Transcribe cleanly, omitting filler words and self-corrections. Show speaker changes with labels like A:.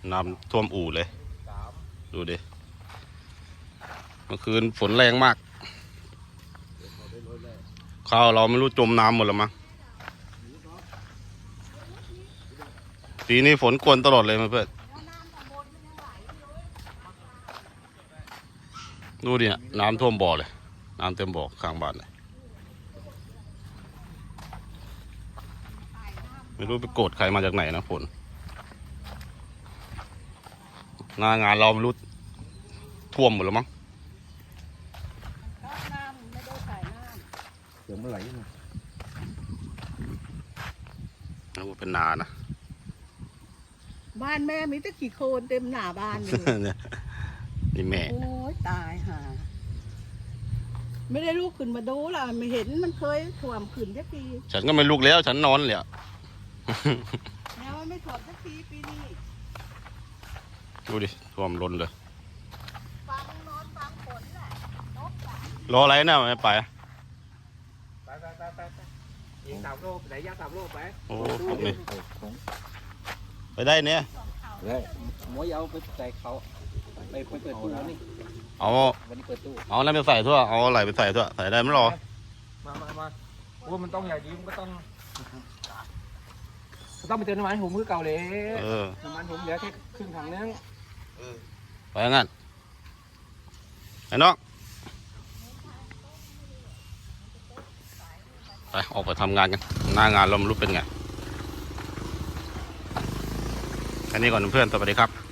A: น้ำท่วมอู่เลยดูดิเมื่อคืนฝนแรงมากข้าวเราไม่รู้จมน้ำหมดแล้วมั้งปีนี้ฝนกวนตลอดเลยเพื่อนดูดิน้ำท่วมบ่อเลยน้ำเต็มบ่อข้างบ้านเลยไม่รู้ไปโกรธใครมาจากไหนนะฝนหน้างานเราไม่รู้ท่วมหมดแล้วมั้ง
B: น้ำไม่ได้ใส่น้ำ
C: เดี๋ยวมันไหลมา
A: แล้วเป็นนานะ
B: บ้านแม่มีแต่ขี้โคลนเต็มหน้าบ้านเลย
A: นี่แม่
B: โอ้ยตายห่าไม่ได้ลูกขึ้นมาดูล่ะไม่เห็นมันเคยท่วมขึ้นสักที
A: ฉันก็ไม่ลุกแล้วฉันนอนเลยอะ
B: แล้วมันไม่ท่วมสักทีปีนี้
A: ดูดิท่วมล้นเลย
B: ฟังนอนฟังฝนแหละนกหลาน
A: รออะไรนะไม่ไป
C: ไปยิง3 โลไหนย่าง3 โลไป
A: โอ้พวกนี้ไปได้เนี่ย
C: เลยหมวยเอาไปใส่เขาไปเปิดตู้แล้วนี่
A: เอา
C: วันนี้เปิดตู้
A: เอาอะไรไปใส่ทั่วเอาอะไรไปใส่ทั่วใส่ได้ไม่รอ
C: มาว่ามันต้องอย่างนี้มันก็ต้องไปเติมน้ำมันผมมือเก่าเลยน้ำมันผมเหลือแค่ครึ่งถังนึง
A: ไปงั้นไอ้น้องไปออกไปทำงานกันหน้างานเราไม่รู้เป็นไงแค่นี้ก่อนเพื่อนสวัสดีครับ